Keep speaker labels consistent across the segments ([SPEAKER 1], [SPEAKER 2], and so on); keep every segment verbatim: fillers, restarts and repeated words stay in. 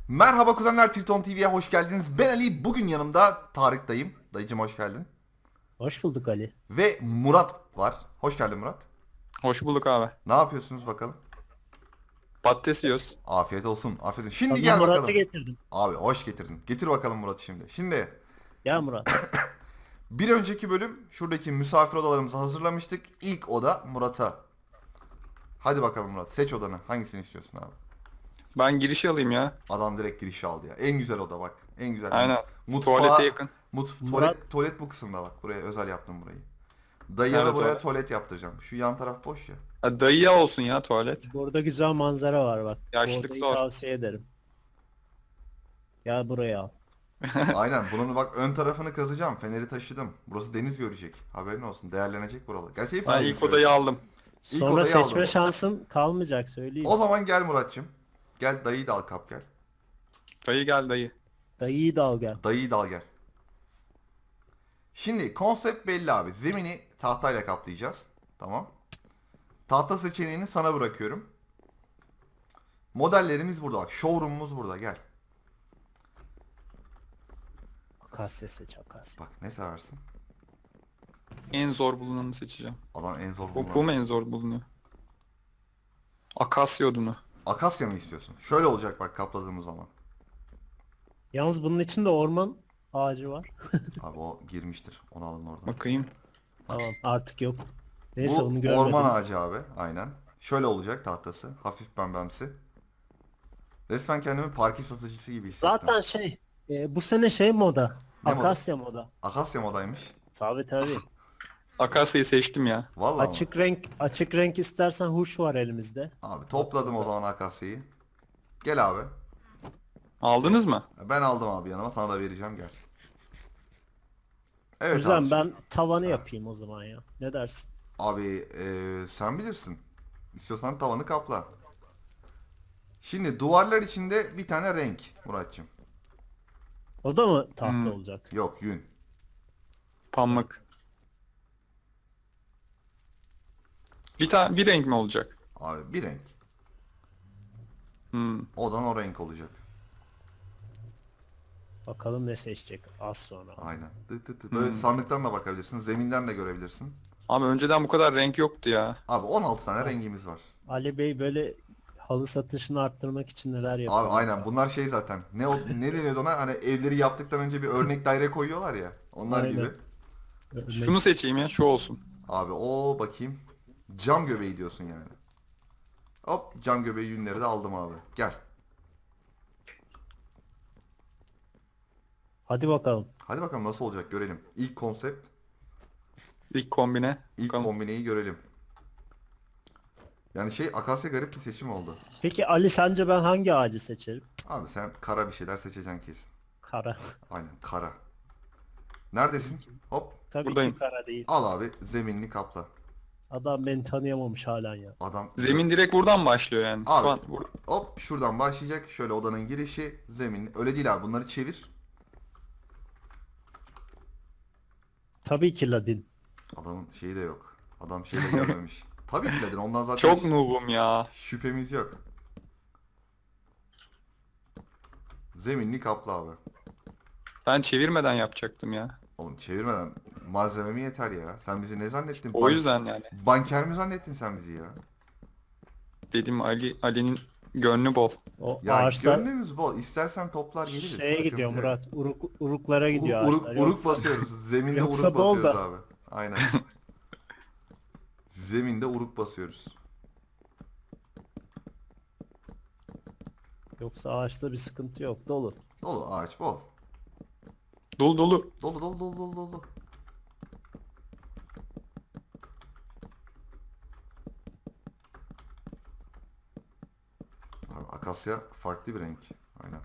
[SPEAKER 1] Merhaba kuzenler, Triton T V'ye hoş geldiniz. Ben Ali, bugün yanımda Tarık dayım. Dayıcım hoş geldin.
[SPEAKER 2] Hoş bulduk Ali.
[SPEAKER 1] Ve Murat var. Hoş geldin Murat.
[SPEAKER 3] Hoş bulduk abi.
[SPEAKER 1] Ne yapıyorsunuz bakalım?
[SPEAKER 3] Patates yiyoruz.
[SPEAKER 1] Afiyet olsun, afiyet olsun. Şimdi
[SPEAKER 2] Sana
[SPEAKER 1] gel
[SPEAKER 2] Murat'ı
[SPEAKER 1] bakalım.
[SPEAKER 2] getirdim.
[SPEAKER 1] Abi hoş getirdin. Getir bakalım Murat'ı şimdi. Şimdi
[SPEAKER 2] Gel Murat.
[SPEAKER 1] bir önceki bölüm şuradaki misafir odalarımızı hazırlamıştık. İlk oda Murat'a. Hadi bakalım Murat, seç odanı. Hangisini istiyorsun abi?
[SPEAKER 3] Ben girişi alayım ya.
[SPEAKER 1] Adam direkt girişi aldı ya. En güzel oda bak. En güzel.
[SPEAKER 3] Aynen.
[SPEAKER 1] Mutfağa,
[SPEAKER 3] Tuvalete yakın.
[SPEAKER 1] Mut,
[SPEAKER 2] Murat-
[SPEAKER 1] tuvalet, tuvalet bu kısımda bak. Buraya özel yaptım burayı. Dayıya da
[SPEAKER 3] Evet,
[SPEAKER 1] buraya
[SPEAKER 3] tuvalet.
[SPEAKER 1] tuvalet yaptıracağım. Şu yan taraf boş ya.
[SPEAKER 3] Ha, dayıya olsun ya tuvalet.
[SPEAKER 2] Burada güzel manzara var bak. Bu
[SPEAKER 3] Yaşlık
[SPEAKER 2] odayı
[SPEAKER 3] zor.
[SPEAKER 2] tavsiye ederim. Gel buraya al.
[SPEAKER 1] Aynen. Bunun bak ön tarafını kazacağım. Feneri taşıdım. Burası deniz görecek. Haberin olsun. Değerlenecek buralar. Gerçi hepsi
[SPEAKER 3] Ben
[SPEAKER 1] deniz
[SPEAKER 3] ilk
[SPEAKER 1] görecek.
[SPEAKER 3] odayı aldım.
[SPEAKER 1] İlk
[SPEAKER 2] Sonra
[SPEAKER 1] odayı
[SPEAKER 2] seçme
[SPEAKER 1] aldım.
[SPEAKER 2] şansın kalmayacak söyleyeyim.
[SPEAKER 1] O zaman gel Muratçım. Gel dayıyı da al, kap gel.
[SPEAKER 3] Dayı gel dayı.
[SPEAKER 2] Dayıyı da al gel.
[SPEAKER 1] Dayıyı da al gel. Şimdi konsept belli abi. Zemini tahtayla kaplayacağız. Tamam. Tahta seçeneğini sana bırakıyorum. Modellerimiz burada bak. Showroom'umuz burada, gel.
[SPEAKER 2] Akasya seç Akasya.
[SPEAKER 1] Bak ne seversin?
[SPEAKER 3] En zor bulunanı seçeceğim.
[SPEAKER 1] Adam en zor
[SPEAKER 3] Bu,
[SPEAKER 1] bulunan.
[SPEAKER 3] bu mu en zor bulunuyor? Akasya odunu.
[SPEAKER 1] Akasya mı istiyorsun? Şöyle olacak bak kapladığımız zaman.
[SPEAKER 2] Yalnız bunun içinde orman ağacı var.
[SPEAKER 1] Abi o girmiştir. Onu alın oradan.
[SPEAKER 3] Bakayım.
[SPEAKER 2] Tamam artık yok. Neyse onu
[SPEAKER 1] Bu
[SPEAKER 2] görmediniz.
[SPEAKER 1] orman ağacı abi. Aynen. Şöyle olacak tahtası. Hafif pembemsi. Resmen kendimi parki satıcısı gibi hissettim.
[SPEAKER 2] Zaten şey e, bu sene şey moda.
[SPEAKER 1] Ne moda?
[SPEAKER 2] Akasya moda.
[SPEAKER 1] Akasya modaymış.
[SPEAKER 2] Tabi tabi.
[SPEAKER 3] Akasya'yı seçtim ya.
[SPEAKER 1] Vallahi mı?
[SPEAKER 2] Açık renk açık renk istersen huş var elimizde.
[SPEAKER 1] Abi topladım o zaman Akasya'yı. Gel abi.
[SPEAKER 3] Aldınız mı?
[SPEAKER 1] Ben aldım abi yanıma. Sana da vereceğim, gel. Evet
[SPEAKER 2] Güzel
[SPEAKER 1] abi.
[SPEAKER 2] ben tavanı yapayım o zaman ya. Ne dersin?
[SPEAKER 1] Abi eee, sen bilirsin. İstiyorsan tavanı kapla. Şimdi duvarlar içinde bir tane renk Muratçım.
[SPEAKER 2] O da mı tahta
[SPEAKER 3] Hmm.
[SPEAKER 2] olacak?
[SPEAKER 1] Yok, yün.
[SPEAKER 3] Pamuk. Bir tane bir renk mi olacak?
[SPEAKER 1] Abi bir renk.
[SPEAKER 3] Hmm.
[SPEAKER 1] Odan o renk olacak.
[SPEAKER 2] Bakalım ne seçecek az sonra.
[SPEAKER 1] Aynen. Tıt tıt tıt. Böyle sandıktan da bakabilirsin. Zeminden de görebilirsin.
[SPEAKER 3] Abi önceden bu kadar renk yoktu ya.
[SPEAKER 1] Abi on altı tane rengimiz var.
[SPEAKER 2] Ali Bey böyle halı satışını arttırmak için neler yapıyor?
[SPEAKER 1] Abi aynen bunlar şey zaten. Ne o, ne deniyordu ona? Hani evleri yaptıktan önce bir örnek daire koyuyorlar ya. Onlar
[SPEAKER 2] Aynen.
[SPEAKER 1] gibi.
[SPEAKER 2] Örnek-
[SPEAKER 3] Şunu seçeyim ya, şu olsun.
[SPEAKER 1] Abi o bakayım. Cam göbeği diyorsun yani. Hop, cam göbeği yünleri de aldım abi. Gel.
[SPEAKER 2] Hadi bakalım.
[SPEAKER 1] Hadi bakalım nasıl olacak görelim. İlk konsept,
[SPEAKER 3] İlk kombine.
[SPEAKER 1] ilk
[SPEAKER 3] Bakalım.
[SPEAKER 1] kombineyi görelim. Yani şey, Akasya garip bir seçim oldu.
[SPEAKER 2] Peki Ali sence ben hangi ağacı seçerim?
[SPEAKER 1] Abi sen kara bir şeyler seçeceksin kesin.
[SPEAKER 2] Kara.
[SPEAKER 1] Aynen, kara. Neredesin? Hop.
[SPEAKER 2] Tabii
[SPEAKER 3] Buradayım.
[SPEAKER 2] ki kara değil.
[SPEAKER 1] Al abi, zeminini kapla.
[SPEAKER 2] Adam beni tanıyamamış halen ya.
[SPEAKER 1] Adam
[SPEAKER 3] Zemin direkt buradan başlıyor yani.
[SPEAKER 1] Abi.
[SPEAKER 3] Şu an bur-
[SPEAKER 1] hop şuradan başlayacak. Şöyle odanın girişi, zemin. Öyle değil abi, bunları çevir.
[SPEAKER 2] Tabii ki Ladin.
[SPEAKER 1] Adamın şeyi de yok. Adam şeyi de görmemiş. Tabii ki dedin, ondan zaten
[SPEAKER 3] çok
[SPEAKER 1] hiç
[SPEAKER 3] noobum ya.
[SPEAKER 1] şüphemiz yok. Zeminini kapla abi.
[SPEAKER 3] Ben çevirmeden yapacaktım ya.
[SPEAKER 1] Oğlum çevirmeden malzememi yeter ya. Sen bizi ne zannettin?
[SPEAKER 3] O
[SPEAKER 1] Ban-
[SPEAKER 3] yüzden yani.
[SPEAKER 1] Banker mi zannettin sen bizi ya?
[SPEAKER 3] Dedim Ali Ali'nin gönlü bol.
[SPEAKER 2] O
[SPEAKER 1] Ya
[SPEAKER 2] ağaçlar
[SPEAKER 1] gönlümüz bol. İstersen toplar geliriz.
[SPEAKER 2] şeye
[SPEAKER 1] Sıkıntı
[SPEAKER 2] gidiyor
[SPEAKER 1] yok.
[SPEAKER 2] Murat. Uruk, uruklara gidiyor
[SPEAKER 1] Uruk,
[SPEAKER 2] ağaçlar.
[SPEAKER 1] uruk
[SPEAKER 2] Yoksa-
[SPEAKER 1] basıyoruz. Zeminde
[SPEAKER 2] yoksa
[SPEAKER 1] uruk
[SPEAKER 2] bol
[SPEAKER 1] basıyoruz
[SPEAKER 2] da.
[SPEAKER 1] abi. Aynen. Zeminde uruk basıyoruz.
[SPEAKER 2] Yoksa ağaçta bir sıkıntı yok. Dolu.
[SPEAKER 1] Dolu ağaç bol.
[SPEAKER 3] Dolu dolu.
[SPEAKER 1] Dolu dolu dolu dolu dolu. Abi, akasya farklı bir renk. Aynen.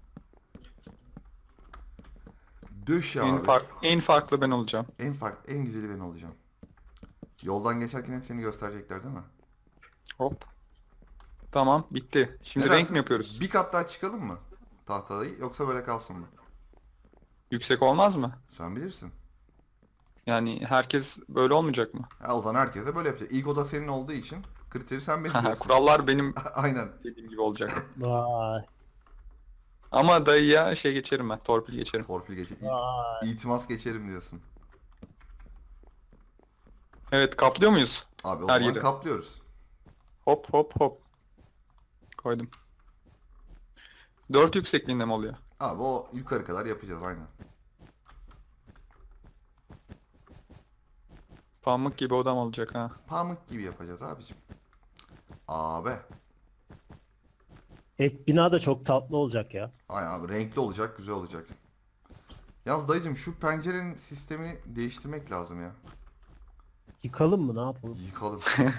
[SPEAKER 1] Döş ya
[SPEAKER 3] En,
[SPEAKER 1] abi.
[SPEAKER 3] fark, en farklı ben olacağım.
[SPEAKER 1] En fark, en güzeli ben olacağım. Yoldan geçerken hep seni gösterecekler değil mi?
[SPEAKER 3] Hop. Tamam bitti. Şimdi
[SPEAKER 1] Ne
[SPEAKER 3] renk
[SPEAKER 1] dersin?
[SPEAKER 3] mi yapıyoruz?
[SPEAKER 1] Bir kat daha çıkalım mı? Tahtadayı yoksa böyle kalsın mı?
[SPEAKER 3] Yüksek olmaz mı?
[SPEAKER 1] Sen bilirsin.
[SPEAKER 3] Yani herkes böyle olmayacak mı?
[SPEAKER 1] Ha, o zaman herkes de böyle yapacak. İlk oda senin olduğu için kriteri sen belirliyorsun.
[SPEAKER 3] Kurallar benim
[SPEAKER 1] Aynen.
[SPEAKER 3] dediğim gibi olacak.
[SPEAKER 2] Vay.
[SPEAKER 3] Ama dayıya şey geçerim ben. Torpil geçerim.
[SPEAKER 1] Torpil geçer.
[SPEAKER 2] Vay.
[SPEAKER 1] İtimas geçerim diyorsun.
[SPEAKER 3] Evet, kaplıyor muyuz?
[SPEAKER 1] Abi o
[SPEAKER 3] Her
[SPEAKER 1] zaman
[SPEAKER 3] yeri.
[SPEAKER 1] kaplıyoruz.
[SPEAKER 3] Hop hop hop. Koydum. Dört yüksekliğinde mi oluyor?
[SPEAKER 1] Abi o yukarı kadar yapacağız aynen.
[SPEAKER 3] Pamuk gibi odam olacak ha.
[SPEAKER 1] Pamuk gibi yapacağız abicim. Abi.
[SPEAKER 2] Ek bina da çok tatlı olacak ya.
[SPEAKER 1] Aynen abi renkli olacak, güzel olacak. Yalnız dayıcım şu pencerenin sistemini değiştirmek lazım ya.
[SPEAKER 2] Yıkalım mı, ne yapalım?
[SPEAKER 1] Yıkalım.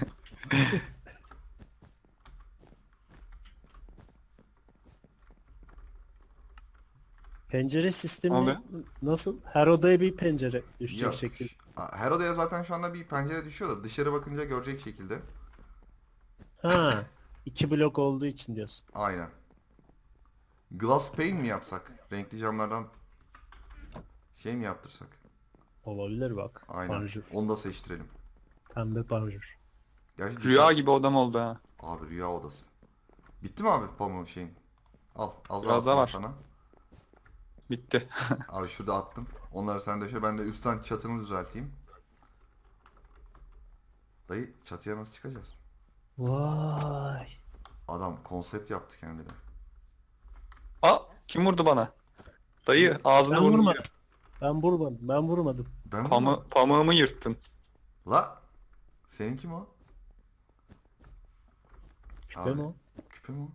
[SPEAKER 2] Pencere sistemi
[SPEAKER 3] Abi.
[SPEAKER 2] nasıl? Her odaya bir pencere düşecek
[SPEAKER 1] Ya,
[SPEAKER 2] şekilde.
[SPEAKER 1] ş- ha, her odaya zaten şu anda bir pencere düşüyor da dışarı bakınca görecek şekilde.
[SPEAKER 2] Ha, iki blok olduğu için diyorsun.
[SPEAKER 1] Aynen. Glass pane mi yapsak? Renkli camlardan şey mi yaptırsak?
[SPEAKER 2] Olabilir bak.
[SPEAKER 1] Aynen.
[SPEAKER 2] Panjur.
[SPEAKER 1] Onu da seçtirelim.
[SPEAKER 2] Pembe panjur.
[SPEAKER 1] Gerçi
[SPEAKER 3] Rüya
[SPEAKER 1] dışarı-
[SPEAKER 3] gibi odam oldu ha.
[SPEAKER 1] Abi rüya odası. Bitti mi abi pamuğun şeyin? Al. Az daha
[SPEAKER 3] Biraz daha
[SPEAKER 1] attım
[SPEAKER 3] var.
[SPEAKER 1] sana.
[SPEAKER 3] Bitti.
[SPEAKER 1] Abi şurada attım. Onları sen döşe. Ben de üstten çatını düzelteyim. Dayı çatıya nasıl çıkacağız?
[SPEAKER 2] Vay.
[SPEAKER 1] Adam konsept yaptı kendine.
[SPEAKER 3] Aa, kim vurdu bana? Dayı ağzını
[SPEAKER 2] Ben
[SPEAKER 3] burnunu
[SPEAKER 2] vurmadım.
[SPEAKER 3] yır-
[SPEAKER 2] Ben vurmadım. Ben vurmadım.
[SPEAKER 1] Ben
[SPEAKER 3] Pamu pamuğumu yırttın.
[SPEAKER 1] La. Senin kim o?
[SPEAKER 2] Küpe
[SPEAKER 1] Abi,
[SPEAKER 2] mi o?
[SPEAKER 1] Küpe mi o?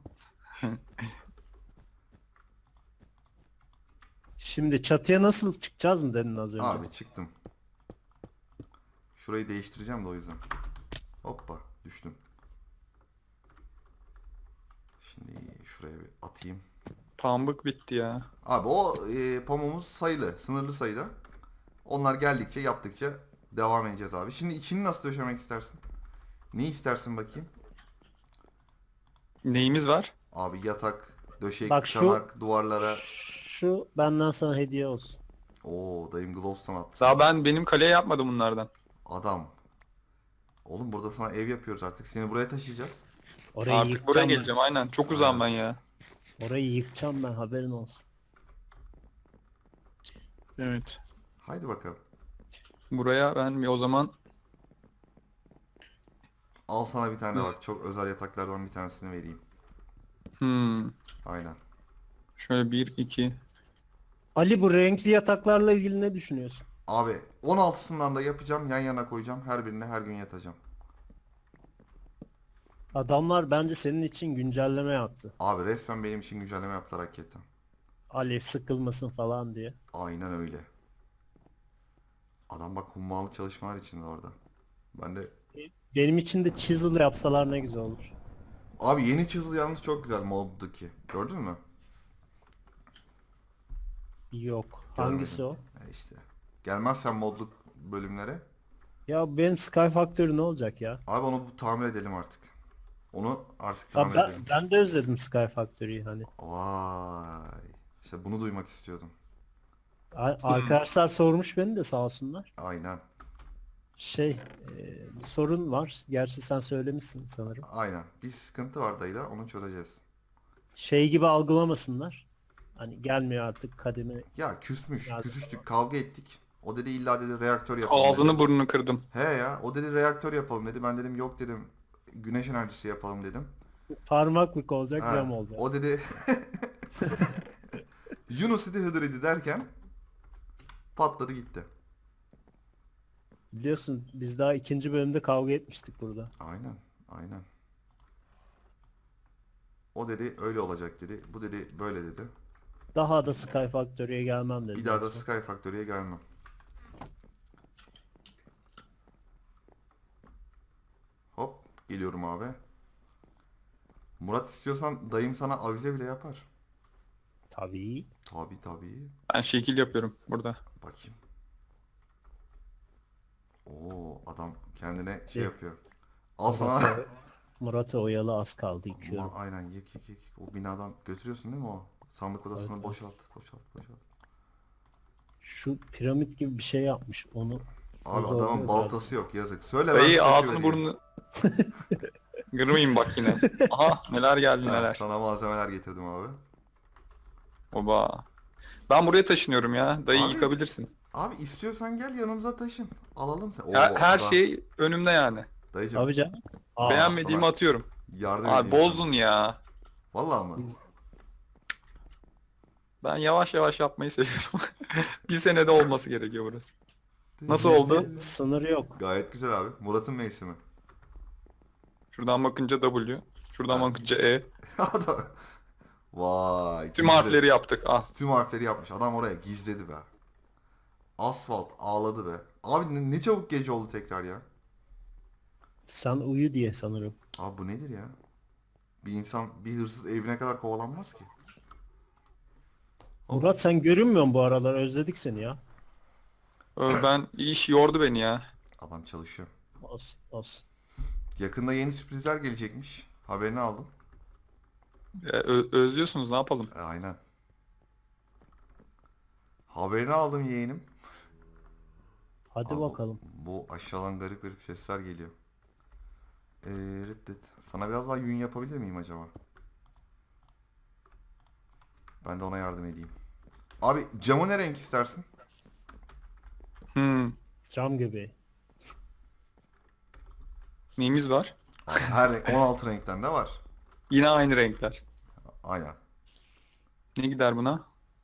[SPEAKER 2] Şimdi çatıya nasıl çıkacağız mı dedin az önce?
[SPEAKER 1] Abi çıktım. Şurayı değiştireceğim de o yüzden. Hoppa düştüm. Şimdi şuraya bir atayım.
[SPEAKER 3] Pamuk bitti ya.
[SPEAKER 1] Abi o e, pamuğumuz sayılı, sınırlı sayıda. Onlar geldikçe, yaptıkça devam edeceğiz abi. Şimdi içini nasıl döşemek istersin? Ne istersin bakayım?
[SPEAKER 3] Neyimiz var?
[SPEAKER 1] Abi yatak, döşek,
[SPEAKER 2] Bak şu-
[SPEAKER 1] çanak, duvarlara.
[SPEAKER 2] Şu benden sana hediye olsun.
[SPEAKER 1] Oo dayım Glowstone attı.
[SPEAKER 3] Daha ben benim kaleye yapmadım bunlardan.
[SPEAKER 1] Adam. Oğlum burada sana ev yapıyoruz artık. Seni buraya taşıyacağız.
[SPEAKER 2] Orayı
[SPEAKER 3] Artık
[SPEAKER 2] yıkacağım
[SPEAKER 3] buraya
[SPEAKER 2] ben.
[SPEAKER 3] geleceğim aynen. Çok uzağım ben ya.
[SPEAKER 2] Orayı yıkacağım ben, haberin olsun.
[SPEAKER 3] Evet.
[SPEAKER 1] Haydi bakalım.
[SPEAKER 3] Buraya ben bir o zaman
[SPEAKER 1] Al sana bir tane bak. Çok özel yataklardan bir tanesini vereyim.
[SPEAKER 3] hmm,
[SPEAKER 1] Aynen.
[SPEAKER 3] şöyle bir iki
[SPEAKER 2] Ali, bu renkli yataklarla ilgili ne düşünüyorsun?
[SPEAKER 1] Abi on altısından da yapacağım. Yan yana koyacağım. Her birine her gün yatacağım.
[SPEAKER 2] Adamlar bence senin için güncelleme yaptı.
[SPEAKER 1] Abi resmen benim için güncelleme yaptılar hakikaten.
[SPEAKER 2] Alev sıkılmasın falan diye.
[SPEAKER 1] Aynen öyle. Adam bak hummalı çalışmalar içinde orada. Ben de
[SPEAKER 2] Benim için de chisel yapsalar ne güzel olur.
[SPEAKER 1] abi yeni çizili yalnız çok güzel moddaki. Gördün mü?
[SPEAKER 2] Yok. Hangisi o?
[SPEAKER 1] E işte. Gelmezsen modluk bölümlere.
[SPEAKER 2] Ya benim Sky Factory ne olacak ya?
[SPEAKER 1] Abi onu bu tamir edelim artık. Onu artık
[SPEAKER 2] Ya
[SPEAKER 1] tamir
[SPEAKER 2] ben,
[SPEAKER 1] edelim.
[SPEAKER 2] ben de özledim Sky Factory'yi hani.
[SPEAKER 1] Vay. İşte bunu duymak istiyordum.
[SPEAKER 2] A- Arkadaşlar sormuş beni de, sağ olsunlar.
[SPEAKER 1] Aynen.
[SPEAKER 2] Şey, e, bir sorun var. Gerçi sen söylemişsin sanırım.
[SPEAKER 1] Aynen. Bir sıkıntı var dayıda. Onu çözeceğiz.
[SPEAKER 2] Şey gibi algılamasınlar. Hani gelmiyor artık kademe.
[SPEAKER 1] Ya küsmüş.
[SPEAKER 2] Ya-
[SPEAKER 1] Küsüştük. Kavga ettik. O dedi illa dedi reaktör yapalım dedi.
[SPEAKER 3] ağzını burnunu kırdım.
[SPEAKER 1] He ya. O dedi reaktör yapalım dedi. Ben dedim yok dedim. Güneş enerjisi yapalım dedim.
[SPEAKER 2] Parmaklık olacak,
[SPEAKER 1] Ha,
[SPEAKER 2] RAM olacak.
[SPEAKER 1] o dedi Yunus idi Hıdır idi derken patladı gitti.
[SPEAKER 2] Biliyorsun biz daha ikinci bölümde kavga etmiştik burada.
[SPEAKER 1] Aynen. Aynen. O dedi öyle olacak dedi. Bu dedi böyle dedi.
[SPEAKER 2] Daha da Sky Factory'ye gelmem dedi.
[SPEAKER 1] Bir daha da
[SPEAKER 2] en son.
[SPEAKER 1] Sky Factory'ye gelmem. Hop geliyorum abi. Murat istiyorsan dayım sana avize bile yapar.
[SPEAKER 2] Tabii.
[SPEAKER 1] Tabi tabi.
[SPEAKER 3] Ben şekil yapıyorum burada.
[SPEAKER 1] Bakayım. Oo adam kendine şey
[SPEAKER 2] Evet.
[SPEAKER 1] yapıyor. Al sana.
[SPEAKER 2] Murat'ı Murat'ı oyalı, az kaldı, yıkıyorum.
[SPEAKER 1] Ama aynen yık yık yık. O binadan götürüyorsun değil mi o? Sandık odasını
[SPEAKER 2] Evet, evet.
[SPEAKER 1] boşalt, boşalt, boşalt.
[SPEAKER 2] Şu piramit gibi bir şey yapmış onu.
[SPEAKER 1] Abi
[SPEAKER 2] Orada
[SPEAKER 1] adamın
[SPEAKER 2] oluyor
[SPEAKER 1] baltası yok yazık. Söyle ben
[SPEAKER 3] Dayı
[SPEAKER 1] size
[SPEAKER 3] ağzını
[SPEAKER 1] vereyim.
[SPEAKER 3] burnunu kırmayayım bak yine. Aha neler geldi
[SPEAKER 1] Ha,
[SPEAKER 3] neler.
[SPEAKER 1] sana malzemeler getirdim abi.
[SPEAKER 3] Oba. Ben buraya taşınıyorum ya. Dayı
[SPEAKER 1] Abi-
[SPEAKER 3] yıkabilirsin.
[SPEAKER 1] Abi istiyorsan gel yanımıza taşın. Alalım sen. Oo,
[SPEAKER 3] Her, her
[SPEAKER 1] adam-
[SPEAKER 3] şey önümde yani.
[SPEAKER 1] Dayıcım
[SPEAKER 2] Abi canım. Aa,
[SPEAKER 3] Beğenmediğimi
[SPEAKER 1] sana
[SPEAKER 3] atıyorum.
[SPEAKER 1] yardım
[SPEAKER 3] Abi
[SPEAKER 1] edeyim
[SPEAKER 3] bozdun
[SPEAKER 1] sana.
[SPEAKER 3] ya.
[SPEAKER 1] Vallahi mı?
[SPEAKER 2] biz-
[SPEAKER 3] Ben yavaş yavaş yapmayı seviyorum. Bir senede olması gerekiyor burası. Nasıl oldu?
[SPEAKER 2] bizde sınır yok.
[SPEAKER 1] Gayet güzel abi. Murat'ın mevsimi.
[SPEAKER 3] Şuradan bakınca W. Şuradan
[SPEAKER 1] Ha.
[SPEAKER 3] bakınca E.
[SPEAKER 1] Adam. Vay.
[SPEAKER 3] Tüm
[SPEAKER 1] gizle-
[SPEAKER 3] harfleri yaptık. Ah.
[SPEAKER 1] Tüm harfleri yapmış. Adam oraya gizledi be. Asfalt ağladı be. Abi ne, ne çabuk gece oldu tekrar ya.
[SPEAKER 2] Sen uyu diye sanırım.
[SPEAKER 1] Abi bu nedir ya? Bir insan bir hırsız evine kadar kovalanmaz ki.
[SPEAKER 2] Murat sen görünmüyorsun bu aralar. Özledik seni ya.
[SPEAKER 3] Ö, Ben iş yordu beni ya.
[SPEAKER 1] Adam çalışıyor.
[SPEAKER 2] Olsun olsun.
[SPEAKER 1] Yakında yeni sürprizler gelecekmiş. Haberini aldım.
[SPEAKER 3] E, ö- özlüyorsunuz, ne yapalım?
[SPEAKER 1] E, aynen. Haberini aldım yeğenim.
[SPEAKER 2] Hadi
[SPEAKER 1] Abi bu-
[SPEAKER 2] bakalım.
[SPEAKER 1] Bu aşağıdan garip garip sesler geliyor. Ee, reddet. Sana biraz daha yün yapabilir miyim acaba? Ben de ona yardım edeyim. Abi camı ne renk istersin?
[SPEAKER 3] Hmm.
[SPEAKER 2] Cam göbeği.
[SPEAKER 3] Neyimiz var?
[SPEAKER 1] Abi her renk, on altı renkten de var.
[SPEAKER 3] Yine aynı renkler.
[SPEAKER 1] Aynen.
[SPEAKER 3] Ne gider buna?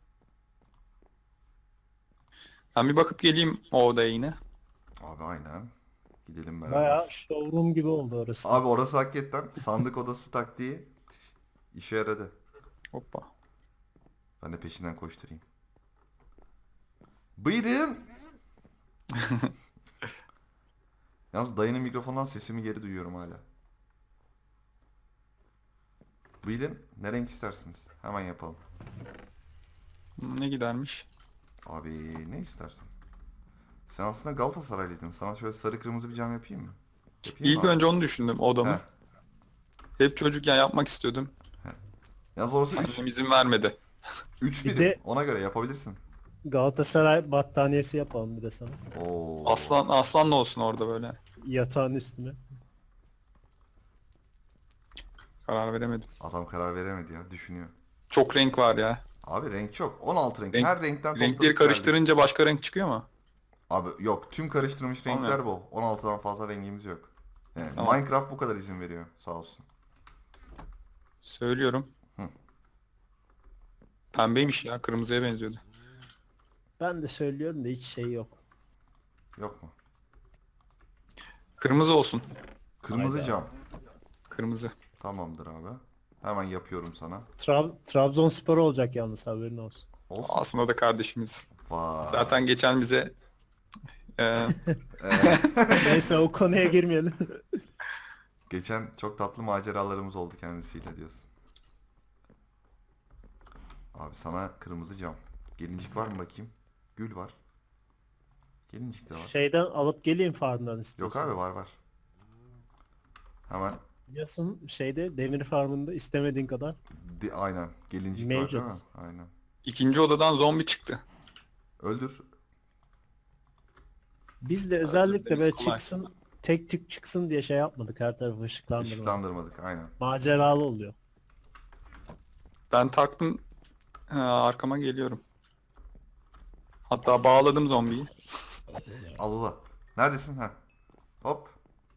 [SPEAKER 3] Ben bir bakıp geleyim o odaya yine.
[SPEAKER 1] Abi aynen. Gidelim beraber.
[SPEAKER 2] Bayağı showroom gibi oldu orası.
[SPEAKER 1] Abi orası hakikaten sandık odası taktiği işe yaradı.
[SPEAKER 3] Hoppa.
[SPEAKER 1] Ben de peşinden koşturayım. Buyurun. Yalnız dayının mikrofondan sesimi geri duyuyorum hala. Buyurun. Ne renk istersiniz? Hemen yapalım.
[SPEAKER 3] Ne gidermiş?
[SPEAKER 1] Abi ne istersin? Sen aslında Galatasaraylıydın. Sana şöyle sarı kırmızı bir cam yapayım mı? Yapayım
[SPEAKER 3] İlk
[SPEAKER 1] mı abi?
[SPEAKER 3] önce onu düşündüm, odamı.
[SPEAKER 1] Heh.
[SPEAKER 3] Hep çocukken yapmak istiyordum.
[SPEAKER 1] Yalnız orası
[SPEAKER 3] Annem izin vermedi.
[SPEAKER 1] üç
[SPEAKER 2] Bir
[SPEAKER 1] birim.
[SPEAKER 2] de-
[SPEAKER 1] Ona göre yapabilirsin.
[SPEAKER 2] Galatasaray battaniyesi yapalım bir de sana.
[SPEAKER 1] Oo.
[SPEAKER 3] Aslan aslan da olsun orada böyle.
[SPEAKER 2] Yatağın üstüne.
[SPEAKER 3] Karar veremedim.
[SPEAKER 1] Adam karar veremedi ya. Düşünüyor.
[SPEAKER 3] Çok renk var ya.
[SPEAKER 1] Abi renk çok. on altı renk.
[SPEAKER 3] Renk-
[SPEAKER 1] Her renkten topladık
[SPEAKER 3] Renkleri
[SPEAKER 1] geldik.
[SPEAKER 3] karıştırınca başka renk çıkıyor mu?
[SPEAKER 1] Abi yok. Tüm karıştırılmış renkler
[SPEAKER 3] Anladım.
[SPEAKER 1] bu. on altıdan fazla rengimiz yok. Yani
[SPEAKER 3] Tamam.
[SPEAKER 1] Minecraft bu kadar izin veriyor. Sağ olsun.
[SPEAKER 3] Söylüyorum.
[SPEAKER 1] Hı.
[SPEAKER 3] Pembeymiş ya, kırmızıya benziyordu.
[SPEAKER 2] Ben de söylüyorum da hiç şey yok.
[SPEAKER 1] Yok mu?
[SPEAKER 3] Kırmızı olsun.
[SPEAKER 1] Kırmızı
[SPEAKER 2] Hayda.
[SPEAKER 1] cam.
[SPEAKER 3] Kırmızı.
[SPEAKER 1] Tamamdır abi. Hemen yapıyorum sana.
[SPEAKER 2] Tra Trabzonspor olacak yalnız haberin olsun.
[SPEAKER 1] Olsun.
[SPEAKER 3] Aslında da kardeşimiz.
[SPEAKER 1] Vay.
[SPEAKER 3] Zaten geçen bize e,
[SPEAKER 1] Ee,
[SPEAKER 2] Neyse o konuya girmeyelim.
[SPEAKER 1] geçen çok tatlı maceralarımız oldu kendisiyle diyorsun. Abi sana kırmızı cam. Gelincik var mı bakayım? Gül var. Gelincik de var.
[SPEAKER 2] Şeyden alıp geleyim farmdan
[SPEAKER 1] Yok
[SPEAKER 2] istiyorsanız.
[SPEAKER 1] abi var var. Hemen
[SPEAKER 2] Biliyorsun şeyde demir farmında istemediğin kadar.
[SPEAKER 1] di- aynen gelincik var
[SPEAKER 2] Mevcut.
[SPEAKER 1] değil mi? Aynen.
[SPEAKER 3] ikinci odadan zombi çıktı.
[SPEAKER 1] Öldür.
[SPEAKER 2] Biz de özellikle
[SPEAKER 3] Öldürmemiz
[SPEAKER 2] böyle
[SPEAKER 3] kolay.
[SPEAKER 2] çıksın tek tük çıksın diye şey yapmadık. Her tarafı ışıklandırmadık.
[SPEAKER 1] Işıklandırmadık aynen.
[SPEAKER 2] Maceralı oluyor.
[SPEAKER 3] Ben taktım, e, arkama geliyorum. Hatta bağladım zombiyi.
[SPEAKER 1] Al ula. Neredesin? Ha. Hop.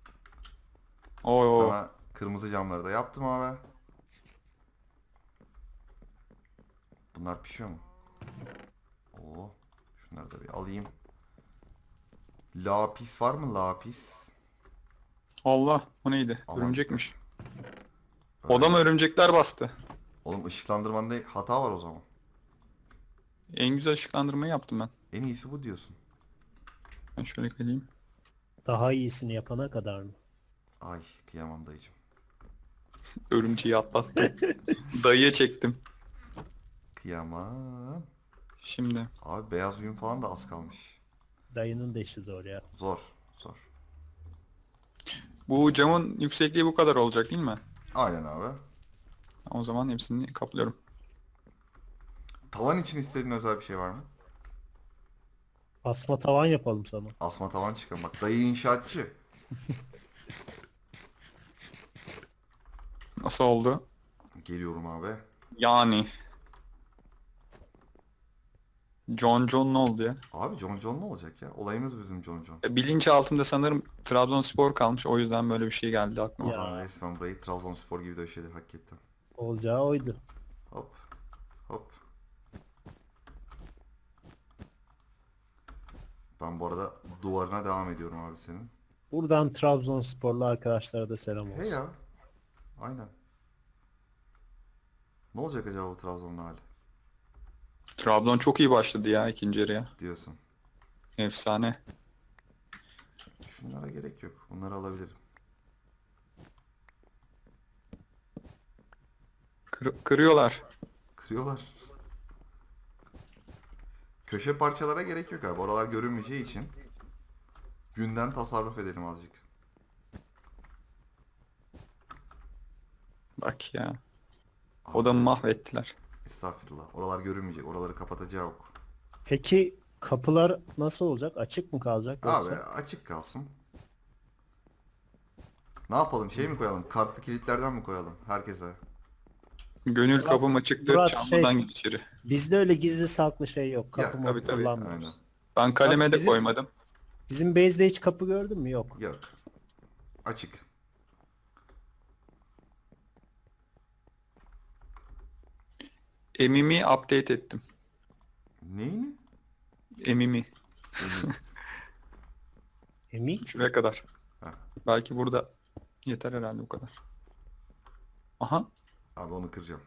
[SPEAKER 3] Oo,
[SPEAKER 1] Sana kırmızı camları da yaptım abi. Bunlar pişiyor mu? Oo. Şunları da bir alayım. Lapis var mı lapis?
[SPEAKER 3] Allah, o neydi?
[SPEAKER 1] Aman.
[SPEAKER 3] Örümcekmiş.
[SPEAKER 1] Öyle.
[SPEAKER 3] Odama örümcekler bastı.
[SPEAKER 1] Oğlum ışıklandırmanda hata var o zaman.
[SPEAKER 3] En güzel ışıklandırmayı yaptım ben.
[SPEAKER 1] En iyisi bu diyorsun.
[SPEAKER 3] Ben şöyle geleyim.
[SPEAKER 2] Daha iyisini yapana kadar mı?
[SPEAKER 1] Ay kıyamam dayıcım.
[SPEAKER 3] Örümceği atlattım. Dayıya çektim.
[SPEAKER 1] Kıyamam.
[SPEAKER 3] Şimdi.
[SPEAKER 1] Abi beyaz yün falan da az kalmış.
[SPEAKER 2] Dayının da işi zor ya.
[SPEAKER 1] Zor. Zor.
[SPEAKER 3] Bu camın yüksekliği bu kadar olacak değil mi?
[SPEAKER 1] Aynen abi.
[SPEAKER 3] O zaman hepsini kaplıyorum.
[SPEAKER 1] Tavan için istediğin özel bir şey var mı?
[SPEAKER 2] Asma tavan yapalım sana.
[SPEAKER 1] Asma tavan çıkalım. Bak dayı inşaatçı.
[SPEAKER 3] Nasıl oldu?
[SPEAKER 1] Geliyorum abi.
[SPEAKER 3] Yani. John John ne oldu ya?
[SPEAKER 1] Abi John John ne olacak ya? Olayımız bizim John John.
[SPEAKER 3] E, bilinç altında sanırım Trabzonspor kalmış. O yüzden böyle bir şey geldi aklıma.
[SPEAKER 2] Ya.
[SPEAKER 1] Adam resmen burayı Trabzonspor gibi döşedi hakikaten.
[SPEAKER 2] Olacağı oydu.
[SPEAKER 1] Hop. Hop. Ben bu arada duvarına devam ediyorum abi senin.
[SPEAKER 2] Buradan Trabzonsporlu arkadaşlara da selam olsun.
[SPEAKER 1] He ya. Aynen. Ne olacak acaba bu Trabzon'un hali
[SPEAKER 3] Trabzon çok iyi başladı ya ikinci yarıya.
[SPEAKER 1] diyorsun.
[SPEAKER 3] Efsane.
[SPEAKER 1] Şunlara gerek yok. Bunları alabilirim.
[SPEAKER 3] Kır- kırıyorlar.
[SPEAKER 1] Kırıyorlar. Köşe parçalara gerek yok abi. Oralar görünmeyeceği için günden tasarruf edelim azıcık.
[SPEAKER 3] Bak ya. Odamı mahvettiler.
[SPEAKER 1] Estağfurullah. Oralar görünmeyecek. Oraları kapatacağı ok.
[SPEAKER 2] Peki kapılar nasıl olacak? Açık mı kalacak
[SPEAKER 1] Abi
[SPEAKER 2] yoksa?
[SPEAKER 1] açık kalsın. Ne yapalım? Şey mi koyalım? Kartlı kilitlerden mi koyalım? Herkese.
[SPEAKER 3] Gönül kapım açıktır.
[SPEAKER 2] Murat,
[SPEAKER 3] Çamlıdan
[SPEAKER 2] şey-
[SPEAKER 3] git içeri.
[SPEAKER 2] Bizde öyle gizli saklı şey yok.
[SPEAKER 1] Ya,
[SPEAKER 2] Kapı mı
[SPEAKER 3] tabii, tabii,
[SPEAKER 2] kullanmıyoruz.
[SPEAKER 1] aynen.
[SPEAKER 3] Ben kaleme
[SPEAKER 2] Bak
[SPEAKER 3] de
[SPEAKER 2] bizim-
[SPEAKER 3] koymadım.
[SPEAKER 2] Bizim base'de hiç kapı gördün mü? Yok.
[SPEAKER 1] Yok. Açık.
[SPEAKER 3] Emimi update ettim.
[SPEAKER 1] Neyini?
[SPEAKER 3] Emimi.
[SPEAKER 2] Emin?
[SPEAKER 3] Şuraya kadar.
[SPEAKER 1] Heh.
[SPEAKER 3] Belki burada yeter herhalde bu kadar. Aha.
[SPEAKER 1] Abi onu kıracağım.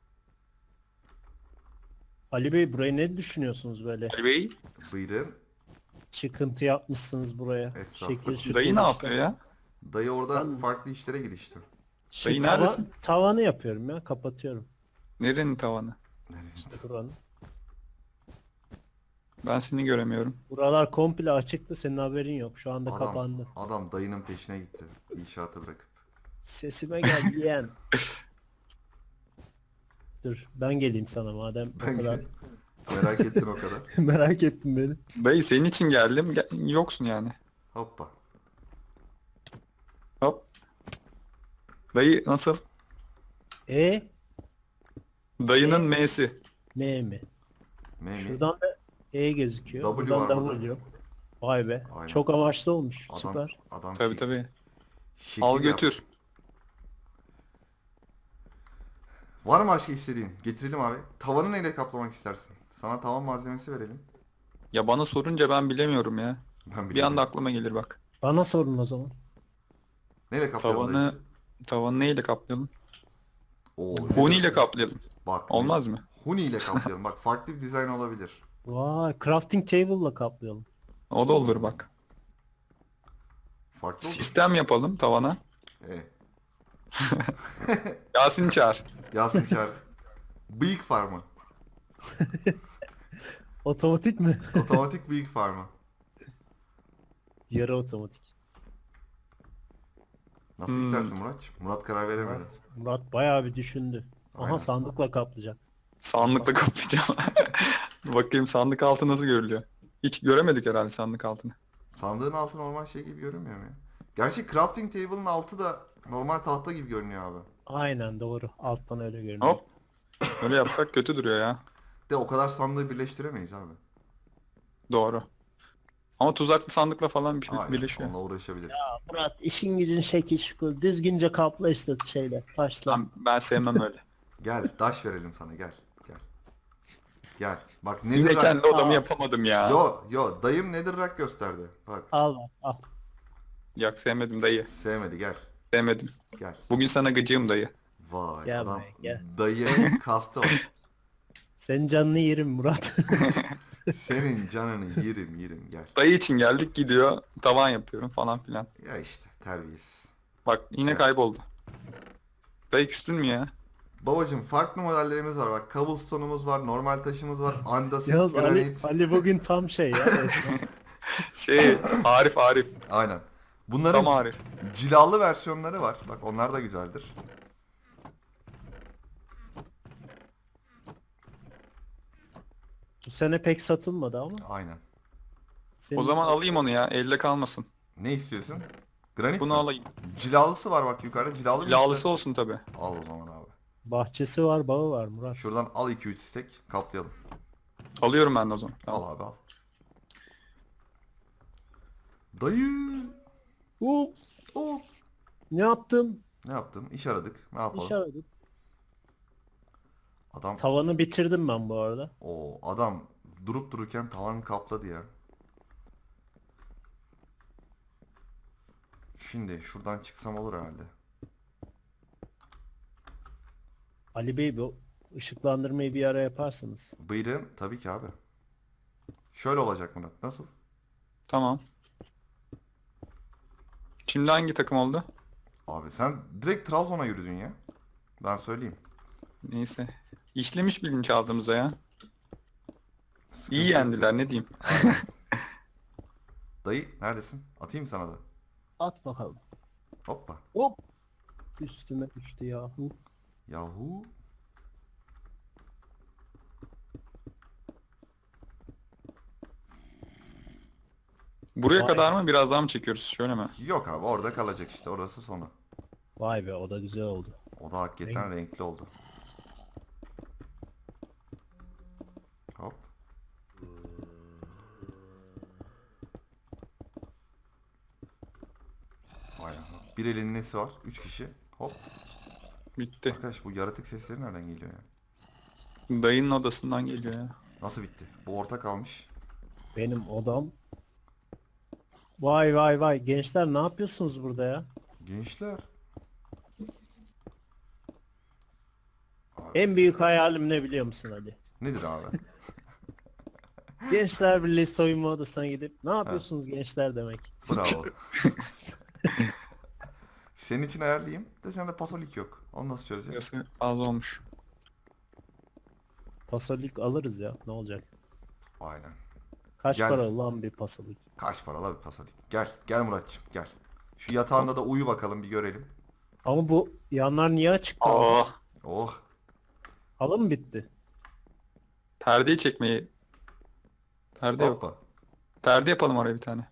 [SPEAKER 2] Ali Bey burayı ne düşünüyorsunuz böyle?
[SPEAKER 3] Ali Bey.
[SPEAKER 1] Buyurun.
[SPEAKER 2] Çıkıntı yapmışsınız buraya.
[SPEAKER 1] Estağfurullah.
[SPEAKER 2] Şekil şukul
[SPEAKER 3] Dayı ne
[SPEAKER 2] işler.
[SPEAKER 3] yapıyor ya?
[SPEAKER 1] Dayı orada
[SPEAKER 2] Ben-
[SPEAKER 1] farklı işlere girişti.
[SPEAKER 2] Şey,
[SPEAKER 3] Dayı
[SPEAKER 2] tava-
[SPEAKER 3] neredesin?
[SPEAKER 2] tavanı yapıyorum ya. Kapatıyorum.
[SPEAKER 3] Nerenin tavanı?
[SPEAKER 2] Buranın.
[SPEAKER 3] Ben seni göremiyorum.
[SPEAKER 2] Buralar komple açıktı. Senin haberin yok. Şu anda
[SPEAKER 1] Adam,
[SPEAKER 2] kapandı.
[SPEAKER 1] adam dayının peşine gitti. İnşaatı bırakıp.
[SPEAKER 2] Sesime gel yeğen. Dur ben geleyim sana madem
[SPEAKER 1] Ben
[SPEAKER 2] o kadar
[SPEAKER 1] de- merak ettin o kadar.
[SPEAKER 2] merak ettim beni.
[SPEAKER 3] Dayı senin için geldim. Gel- yoksun yani.
[SPEAKER 1] Hoppa.
[SPEAKER 3] Hop. Dayı nasıl?
[SPEAKER 2] E
[SPEAKER 3] Dayının M'si.
[SPEAKER 2] M mi?
[SPEAKER 1] Memi.
[SPEAKER 2] Şuradan da E gözüküyor.
[SPEAKER 1] W
[SPEAKER 2] Buradan
[SPEAKER 1] var
[SPEAKER 2] da
[SPEAKER 1] burada.
[SPEAKER 2] W yok. Vay be.
[SPEAKER 1] Aynen.
[SPEAKER 2] Çok amaçlı olmuş.
[SPEAKER 1] Adam,
[SPEAKER 2] Süper.
[SPEAKER 1] adam
[SPEAKER 3] Tabii
[SPEAKER 1] şek-
[SPEAKER 3] tabii.
[SPEAKER 1] şekil
[SPEAKER 3] Al
[SPEAKER 1] yap-
[SPEAKER 3] götür.
[SPEAKER 1] Var mı başka istediğin? Getirelim abi. Tavanı neyle kaplamak istersin? Sana tavan malzemesi verelim.
[SPEAKER 3] Ya bana sorunca ben bilemiyorum ya.
[SPEAKER 1] Ben
[SPEAKER 3] Bir
[SPEAKER 1] biliyorum.
[SPEAKER 3] anda aklıma gelir bak.
[SPEAKER 2] Bana sorun o zaman.
[SPEAKER 1] Neyle kaplayalım
[SPEAKER 3] Tavanı
[SPEAKER 1] dayıcığım?
[SPEAKER 3] tavanı neyle kaplayalım?
[SPEAKER 1] Oo,
[SPEAKER 3] Huni ile kaplayalım.
[SPEAKER 1] Bak,
[SPEAKER 3] Olmaz mı?
[SPEAKER 1] Huni ile kaplayalım. Bak farklı bir dizayn olabilir.
[SPEAKER 2] Vay crafting table'la kaplayalım.
[SPEAKER 3] O da olur bak.
[SPEAKER 1] Farklı olur.
[SPEAKER 3] Sistem yapalım tavana.
[SPEAKER 1] E,
[SPEAKER 3] Yasin çağır.
[SPEAKER 1] Yasin Çağrı. Bıyık farmı.
[SPEAKER 2] Otomatik mi?
[SPEAKER 1] Otomatik bıyık farmı.
[SPEAKER 2] Yarı otomatik.
[SPEAKER 1] Nasıl
[SPEAKER 3] Hmm.
[SPEAKER 1] istersin Murat? Murat karar veremedi.
[SPEAKER 2] Murat bayağı bir düşündü. Aha
[SPEAKER 1] Aynen.
[SPEAKER 2] sandıkla kaplayacak.
[SPEAKER 3] Sandıkla kaplayacağım. Bakayım sandık altı nasıl görülüyor. Hiç göremedik herhalde sandık altını.
[SPEAKER 1] Sandığın altı normal şey gibi görünmüyor mu ya? Gerçi crafting table'ın altı da normal tahta gibi görünüyor abi.
[SPEAKER 2] Aynen doğru. Alttan öyle görünüyor.
[SPEAKER 3] Hop. Öyle yapsak kötü duruyor ya.
[SPEAKER 1] De o kadar sandığı birleştiremeyiz abi.
[SPEAKER 3] Doğru. Ama tuzaklı sandıkla falan bir
[SPEAKER 1] Aynen,
[SPEAKER 3] birleşiyor.
[SPEAKER 1] onunla uğraşabiliriz.
[SPEAKER 2] Murat işin gücün şekil şukul. Düzgünce kapla işte şeyle. Taşla.
[SPEAKER 3] Ben, ben sevmem öyle.
[SPEAKER 1] Gel, taş verelim sana, gel. Gel. Gel. Bak
[SPEAKER 3] Yine
[SPEAKER 1] Netherrack...
[SPEAKER 3] kendi odamı
[SPEAKER 2] Aa.
[SPEAKER 3] yapamadım ya.
[SPEAKER 1] Yo, yo, dayım Netherrack gösterdi. Bak,
[SPEAKER 2] Al bak al.
[SPEAKER 3] Yak sevmedim dayı.
[SPEAKER 1] sevmedi, gel.
[SPEAKER 3] Sevmedim.
[SPEAKER 1] Gel.
[SPEAKER 3] Bugün sana gıcığım dayı.
[SPEAKER 1] Vay,
[SPEAKER 2] Gel
[SPEAKER 1] adam
[SPEAKER 2] buraya, gel.
[SPEAKER 1] dayının kastı var.
[SPEAKER 2] Senin canını yerim Murat.
[SPEAKER 1] Senin canını yerim, yerim, gel.
[SPEAKER 3] Dayı için geldik gidiyor. Tavan yapıyorum falan filan.
[SPEAKER 1] Ya işte, terbiyesiz.
[SPEAKER 3] Bak yine
[SPEAKER 1] Evet.
[SPEAKER 3] kayboldu. Dayı küstün mü ya?
[SPEAKER 1] Babacım farklı modellerimiz var bak. Cobblestone'umuz var, normal taşımız var, andasit,
[SPEAKER 2] Yalnız Ali,
[SPEAKER 1] granit.
[SPEAKER 2] Ali bugün tam şey ya resmen.
[SPEAKER 3] Şey Arif Arif.
[SPEAKER 1] Aynen. Bunların
[SPEAKER 3] Tam Arif.
[SPEAKER 1] cilalı versiyonları var. Bak onlar da güzeldir.
[SPEAKER 2] Bu sene pek satılmadı ama.
[SPEAKER 1] Aynen.
[SPEAKER 2] Senin...
[SPEAKER 3] O zaman alayım onu ya. Elde kalmasın.
[SPEAKER 1] Ne istiyorsun? Granit
[SPEAKER 3] Bunu
[SPEAKER 1] mi?
[SPEAKER 3] alayım.
[SPEAKER 1] Cilalısı var bak yukarıda. Cilalı mı
[SPEAKER 3] Lağlısı
[SPEAKER 1] istersin?
[SPEAKER 3] olsun tabi.
[SPEAKER 1] Al o zaman abi.
[SPEAKER 2] Bahçesi var, bağı var Murat.
[SPEAKER 1] Şuradan al iki üç stek kaplayalım.
[SPEAKER 3] Alıyorum ben de o zaman.
[SPEAKER 1] Al
[SPEAKER 3] Tamam.
[SPEAKER 1] abi al. Dayı.
[SPEAKER 2] Hop.
[SPEAKER 1] Hop.
[SPEAKER 2] Ne yaptın?
[SPEAKER 1] Ne yaptım? İş aradık. Ne yapalım?
[SPEAKER 2] İş aradık.
[SPEAKER 1] Adam
[SPEAKER 2] Tavanı bitirdim ben bu arada.
[SPEAKER 1] o adam durup dururken tavan kapladı ya. Şimdi şuradan çıksam olur herhalde.
[SPEAKER 2] Ali Bey, bu ışıklandırmayı bir ara yaparsınız.
[SPEAKER 1] Buyurun tabii ki abi. Şöyle olacak Murat. Nasıl?
[SPEAKER 3] Tamam. Şimdi hangi takım oldu?
[SPEAKER 1] Abi sen direkt Trabzon'a yürüdün ya. Ben söyleyeyim.
[SPEAKER 3] Neyse. İşlemiş bilinçaltımıza ya.
[SPEAKER 1] Sıkıntı
[SPEAKER 3] İyi
[SPEAKER 1] yok
[SPEAKER 3] yendiler
[SPEAKER 1] diyorsun.
[SPEAKER 3] ne diyeyim.
[SPEAKER 1] Dayı neredesin? Atayım sana da.
[SPEAKER 2] At bakalım.
[SPEAKER 1] Hoppa.
[SPEAKER 2] Hop. Üstüme düştü yahu.
[SPEAKER 1] Yahu.
[SPEAKER 3] Buraya
[SPEAKER 2] Vay.
[SPEAKER 3] kadar mı biraz daha mı çekiyoruz? Şöyle mi?
[SPEAKER 1] Yok abi orada kalacak işte. Orası sonu.
[SPEAKER 2] Vay be, o da güzel oldu.
[SPEAKER 1] O da hakikaten renkli oldu. Hop. Vay anam. Bir elin nesi var? Üç kişi. Hop.
[SPEAKER 3] Bitti.
[SPEAKER 1] Arkadaş bu yaratık sesleri nereden geliyor ya?
[SPEAKER 3] Dayının odasından geliyor ya.
[SPEAKER 1] Nasıl bitti? Bu orta kalmış.
[SPEAKER 2] Benim odam. Vay vay vay, gençler ne yapıyorsunuz burada ya?
[SPEAKER 1] Gençler.
[SPEAKER 2] En büyük hayalim ne biliyor musun Ali?
[SPEAKER 1] Nedir abi?
[SPEAKER 2] Gençler Birliği soyunma odasına gidip ne yapıyorsunuz gençler demek.
[SPEAKER 1] Bravo. Senin için ayarlayayım. De sende pasolik yok. Onu nasıl çözeceğiz?
[SPEAKER 3] Burası az olmuş.
[SPEAKER 2] Pasolik alırız ya, ne olacak?
[SPEAKER 1] Aynen.
[SPEAKER 2] Kaç
[SPEAKER 1] Gel.
[SPEAKER 2] para lan bir pasolik?
[SPEAKER 1] Kaç paralı bir pasolik. Gel. Gel Muratçım gel. Şu yatağında da uyu bakalım bir görelim.
[SPEAKER 2] Ama bu yanlar niye açık kaldı?
[SPEAKER 3] Aa,
[SPEAKER 1] Oh.
[SPEAKER 2] Halı mı bitti?
[SPEAKER 3] perdeyi çekmeyi. Perde yok.
[SPEAKER 1] Hoppa.
[SPEAKER 3] Perde yapalım oraya bir tane.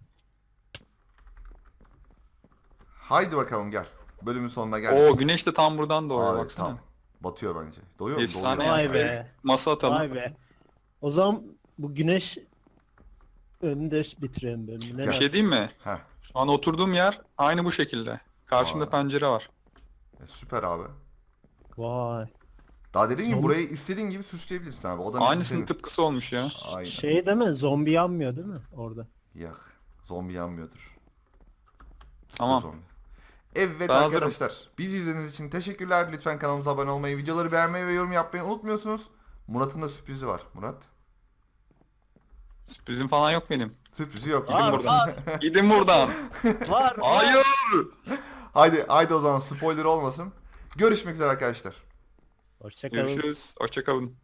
[SPEAKER 1] Haydi bakalım gel. Bölümün sonuna geldik.
[SPEAKER 3] Oo, güneş de tam buradan doğuyor
[SPEAKER 1] Abi,
[SPEAKER 3] baksana.
[SPEAKER 1] tam. Batıyor bence. Doyuyor mu?
[SPEAKER 3] Efsane
[SPEAKER 1] Doğuyor.
[SPEAKER 2] Vay
[SPEAKER 3] ya.
[SPEAKER 2] be.
[SPEAKER 3] Masa atalım.
[SPEAKER 2] Vay be. O zaman bu güneş önünde bitirelim bölümü. Ne
[SPEAKER 3] Bir şey diyeyim mi?
[SPEAKER 1] Heh.
[SPEAKER 3] Şu an oturduğum yer aynı bu şekilde. Karşımda
[SPEAKER 1] Aa.
[SPEAKER 3] pencere var.
[SPEAKER 1] E, süper abi.
[SPEAKER 2] Vay.
[SPEAKER 1] Daha dediğim gibi
[SPEAKER 2] Zombi-
[SPEAKER 1] burayı istediğin gibi süsleyebilirsin abi. Odanın
[SPEAKER 3] Aynısının
[SPEAKER 1] senin.
[SPEAKER 3] tıpkısı olmuş ya.
[SPEAKER 1] Aynen.
[SPEAKER 2] Şey deme, zombi yanmıyor değil mi orada?
[SPEAKER 1] Yak. Zombi yanmıyordur.
[SPEAKER 3] Tamam.
[SPEAKER 1] Zombi. Evet
[SPEAKER 3] Ben hazırım.
[SPEAKER 1] arkadaşlar. Bizi izlediğiniz için teşekkürler. Lütfen kanalımıza abone olmayı, videoları beğenmeyi ve yorum yapmayı unutmuyorsunuz. Murat'ın da sürprizi var. Murat.
[SPEAKER 3] Sürprizim falan yok benim.
[SPEAKER 1] Sürprizi yok.
[SPEAKER 3] Gidin
[SPEAKER 2] Var,
[SPEAKER 3] buradan.
[SPEAKER 2] var,
[SPEAKER 3] Gidin buradan.
[SPEAKER 2] var.
[SPEAKER 3] Hayır.
[SPEAKER 1] Haydi, haydi o zaman spoiler olmasın. Görüşmek üzere arkadaşlar.
[SPEAKER 2] Hoşçakalın.
[SPEAKER 3] Görüşürüz. Hoşça kalın.